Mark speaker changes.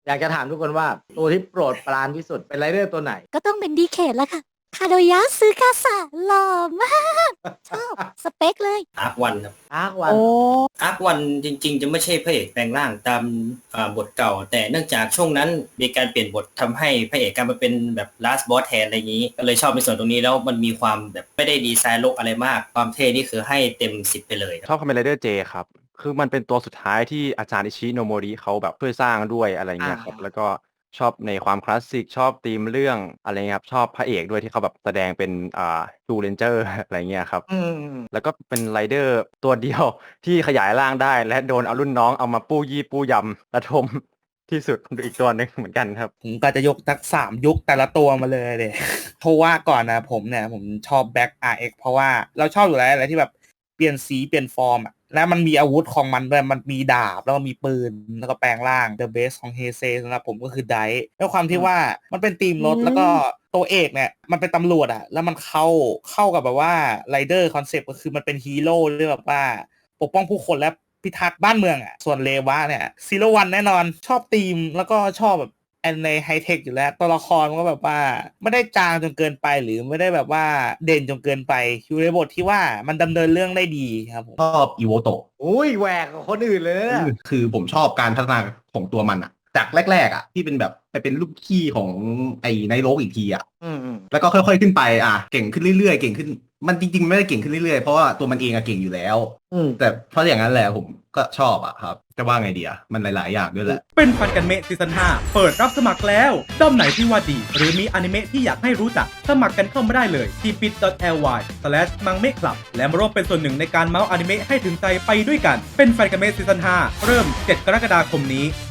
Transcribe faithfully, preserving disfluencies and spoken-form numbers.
Speaker 1: อยากจะถามทุกคนว่าตัวที่โปรดปรานที่สุดเป็นไรเดอร์ตัวไหน
Speaker 2: ก็ต้องเป็นดีเคทแล้วค่ะคาโดยะซึกาสะหล่อมากชอบสเปคเลย
Speaker 3: อาร์ควันครับ
Speaker 1: อาร์ควัน
Speaker 4: โอ้
Speaker 3: อาร์ควันจริงๆ จะไม่ใช่พระเอกแปลงร่างตามอ่าบทเก่า แต่เนื่องจากช่วงนั้นมีการเปลี่ยนบททำให้พระเอกกลายมาเป็นแบบ last boss แทนอะไรอย่างนี้ ก็เลยชอบในส่วนตรงนี้แล้วมันมีความแบบไม่ได้ดีไซน์โลกอะไรมาก ความเท่นี่คือให้เต็มสิบไปเลยค
Speaker 5: ช
Speaker 3: รับ
Speaker 5: อบคาเมนไรเดอร์เจครับ คือมันเป็นตัวสุดท้ายที่อาจารย์อิชิโนโมริเขาแบบช่วยสร้างด้วยอะไรเงี้ยครับ
Speaker 1: อ่า
Speaker 5: แล้วก็ชอบในความคลาสสิกชอบธีมเรื่องอะไรเงี้ยครับ ชอบพระเอกด้วยที่เขาแบบแสดงเป็นอ่าทูเรนเจอร์ อะไรเงี้ยครับ
Speaker 1: อืม
Speaker 5: แล้วก็เป็นไรเดอร์ตัวเดียวที่ขยายร่างได้ และโดนเอารุ่นน้องเอามาปู้ยี่ปู้ยำระทมที่สุดอีกตัวหนึ่งเหมือนกันครับ
Speaker 4: ผมก็จะยกทักสามยุคแต่ละตัวมาเลยเลย เพราะว่าก่อนนะผมเนี่ยผมชอบแบ็ก อาร์ เอ็กซ์ เพราะว่าเราชอบอยู่แล้วอะไรที่แบบเปลี่ยนสีเปลี่ยนฟอร์มอะแล้วมันมีอาวุธของมันด้วยมันมีดาบแล้วก็มีปืนแล้วก็แปลงร่าง The Best ของเฮเซสำหรับผมก็คือไดท์ด้วยความที่ว่ามันเป็นทีมรถแล้วก็ตัวเอกเนี่ยมันเป็นตำรวจอะแล้วมันเข้าเข้ากับแบบว่าไรเดอร์คอนเซปต์ก็คือมันเป็นฮีโร่ด้วยแบบว่าปกป้องผู้คนและพิทักษ์บ้านเมืองอ่ะส่วนเลวะเนี่ยซีโร่วันแน่นอนชอบธีมแล้วก็ชอบแบบแอนในไฮเทคอยู่แล้วตัวละครมันก็แบบว่าไม่ได้จางจนเกินไปหรือไม่ได้แบบว่าเด่นจนเกินไปอยู่ในบทที่ว่ามันดำเนินเรื่องได้ดีครับผม
Speaker 6: ชอบอีโวโตะ
Speaker 1: อุ้ยแหวกกับคนอื่นเลยนะเนี่ย
Speaker 6: คือผมชอบการพัฒนาของตัวมันอะจากแรกๆอะที่เป็นแบบไปเป็นลูกขี้ของไอ้ไนโรกอีกทีอะ
Speaker 1: อืมอืม
Speaker 6: แล้วก็ค่อยๆขึ้นไปอ่ะเก่งขึ้นเรื่อยๆเก่งขึ้นมันจริงๆไม่ได้เก่งขึ้นเรื่อยๆเพราะว่าตัวมันเองอะเก่งอยู่แล้ว
Speaker 1: อืม
Speaker 6: แต่เพราะอย่างนั้นแหละผมก็ชอบอะครับจะว่าไงดีอะมันหลายๆอย่างด้วยแหละ
Speaker 7: เป็นฟันกันเมะซีซั่นห้าเปิดรับสมัครแล้วด้อมไหนที่ว่าดี หรือมีอนิเมะที่อยากให้รู้จัก สมัครกันเข้ามาได้เลยที่ bit dot l y slash มังเมะคลับและมาร่วมเป็นส่วนหนึ่งในการเมาส์อนิเมะให้ถึงใจไปด้วยกัน เป็นฟันกันเมะซีซั่นห้าเริ่มเจ็ดกรกฎาคมนี้